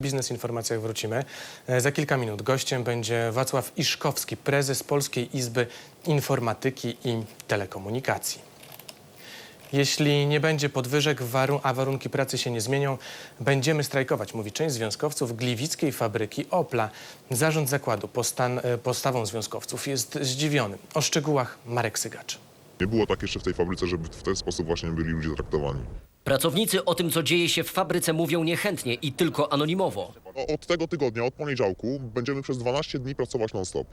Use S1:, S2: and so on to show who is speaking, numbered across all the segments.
S1: Biznes Informacjach wrócimy. Za kilka minut gościem będzie Wacław Iszkowski, prezes Polskiej Izby Informatyki i Telekomunikacji. Jeśli nie będzie podwyżek, a warunki pracy się nie zmienią, będziemy strajkować, mówi część związkowców gliwickiej fabryki Opla. Zarząd zakładu postawą związkowców jest zdziwiony. O szczegółach Marek Sygacz.
S2: Nie było tak jeszcze w tej fabryce, żeby w ten sposób właśnie byli ludzie traktowani.
S3: Pracownicy o tym, co dzieje się w fabryce, mówią niechętnie i tylko anonimowo.
S2: Od tego tygodnia, od poniedziałku, będziemy przez 12 dni pracować non-stop.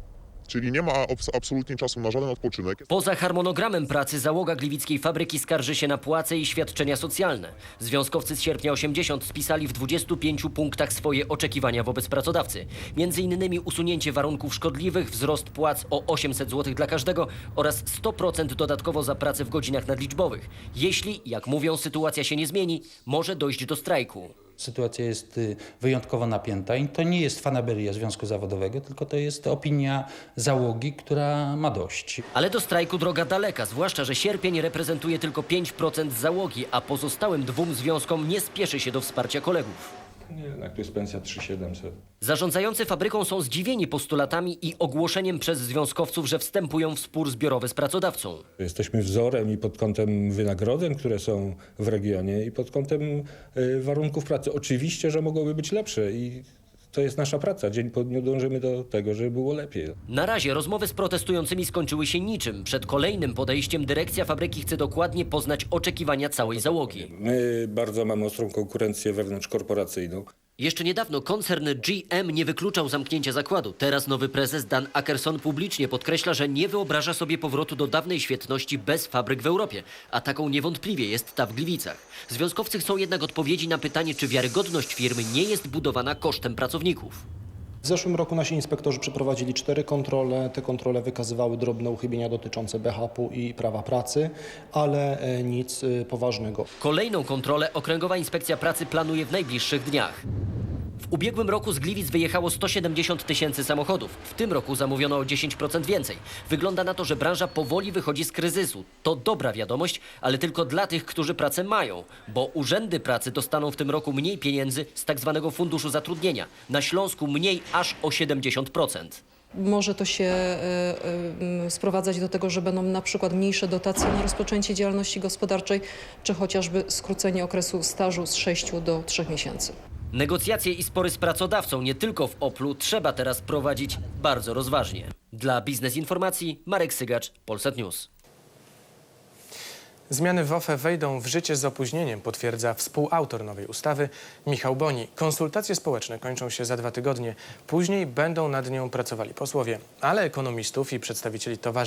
S2: Czyli nie ma absolutnie czasu na żaden odpoczynek.
S3: Poza harmonogramem pracy załoga gliwickiej fabryki skarży się na płace i świadczenia socjalne. Związkowcy z sierpnia 80 spisali w 25 punktach swoje oczekiwania wobec pracodawcy. Między innymi usunięcie warunków szkodliwych, wzrost płac o 800 zł dla każdego oraz 100% dodatkowo za pracę w godzinach nadliczbowych. Jeśli, jak mówią, sytuacja się nie zmieni, może dojść do strajku.
S4: Sytuacja jest wyjątkowo napięta i to nie jest fanaberia Związku Zawodowego, tylko to jest opinia załogi, która ma dość.
S3: Ale do strajku droga daleka, zwłaszcza, że sierpień reprezentuje tylko 5% załogi, a pozostałym dwóm związkom nie spieszy się do wsparcia kolegów.
S5: Nie, jednak tu jest pensja 3700.
S3: Zarządzający fabryką są zdziwieni postulatami i ogłoszeniem przez związkowców, że wstępują w spór zbiorowy z pracodawcą.
S5: Jesteśmy wzorem i pod kątem wynagrodzeń, które są w regionie, i pod kątem warunków pracy. Oczywiście, że mogłyby być lepsze i to jest nasza praca. Dzień po dniu dążymy do tego, żeby było lepiej.
S3: Na razie rozmowy z protestującymi skończyły się niczym. Przed kolejnym podejściem dyrekcja fabryki chce dokładnie poznać oczekiwania całej załogi.
S5: My bardzo mamy ostrą konkurencję wewnątrzkorporacyjną.
S3: Jeszcze niedawno koncern GM nie wykluczał zamknięcia zakładu. Teraz nowy prezes Dan Akerson publicznie podkreśla, że nie wyobraża sobie powrotu do dawnej świetności bez fabryk w Europie. A taką niewątpliwie jest ta w Gliwicach. Związkowcy chcą jednak odpowiedzi na pytanie, czy wiarygodność firmy nie jest budowana kosztem pracowników.
S6: W zeszłym roku nasi inspektorzy przeprowadzili 4 kontrole. Te kontrole wykazywały drobne uchybienia dotyczące BHP-u i prawa pracy, ale nic poważnego.
S3: Kolejną kontrolę Okręgowa Inspekcja Pracy planuje w najbliższych dniach. W ubiegłym roku z Gliwic wyjechało 170 000 samochodów. W tym roku zamówiono o 10% więcej. Wygląda na to, że branża powoli wychodzi z kryzysu. To dobra wiadomość, ale tylko dla tych, którzy pracę mają, bo urzędy pracy dostaną w tym roku mniej pieniędzy z tak zwanego funduszu zatrudnienia. Na Śląsku mniej aż o 70%.
S7: Może to się sprowadzać do tego, że będą na przykład mniejsze dotacje na rozpoczęcie działalności gospodarczej, czy chociażby skrócenie okresu stażu z 6 do 3 miesięcy.
S3: Negocjacje i spory z pracodawcą nie tylko w Oplu trzeba teraz prowadzić bardzo rozważnie. Dla Biznes Informacji Marek Sygacz, Polsat News.
S1: Zmiany w OFE wejdą w życie z opóźnieniem, potwierdza współautor nowej ustawy Michał Boni. Konsultacje społeczne kończą się za 2 tygodnie. Później będą nad nią pracowali posłowie, ale ekonomistów i przedstawicieli towarzystw